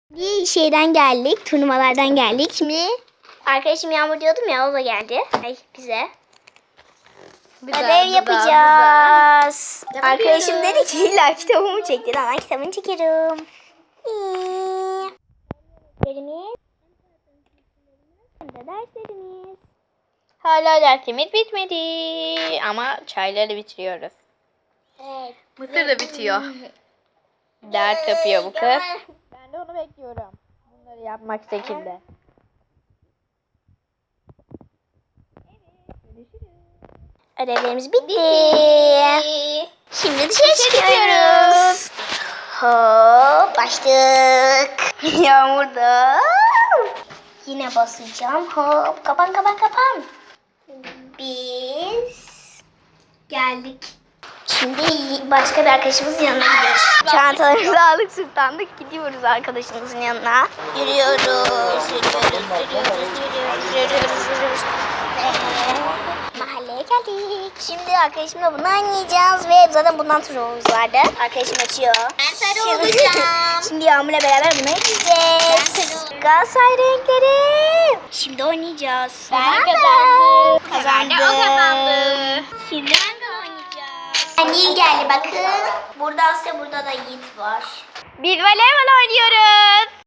Bir şeyden geldik, turnuvalardan geldik. Şimdi arkadaşım Yağmur diyordum ya, o da geldi. Bize. Ödev yapacağız. Arkadaşım dedi ki illa kitabımı çekti. Ben kitabını çekerim. Derslerimiz. Hala dersimiz bitmedi ama çayları bitiriyoruz. Evet. Mısır da bitiyor. Ders yapıyor bu kız. Ben de onu bekliyorum. Bunları yapmak şekilde. Ödevlerimiz bitti. Şimdi dışarı çıkıyoruz. Hop, başladık. Yağmurda. Yine basacağım. Hop, kapan. Biz geldik. Şimdi başka bir arkadaşımızın yanına gidiyoruz. Çantalarımızı aldık, sırtlandık. Gidiyoruz arkadaşımızın yanına. Yürüyoruz. Mahalleye geldik. Şimdi arkadaşımla bunu oynayacağız ve zaten bundan turnuvamız vardı. Arkadaşım açıyor. Ben sarı olacağım. Şimdi Yağmur'la beraber bunu oynayacağız. Galatasaray renkleri. Şimdi oynayacağız. Ben kazandım. Kazandım. O kazandı. Şimdi oynayacağız. Nil geldi bakın. Burada Asya, burada da Yiğit var. Biz voleybol oynuyoruz.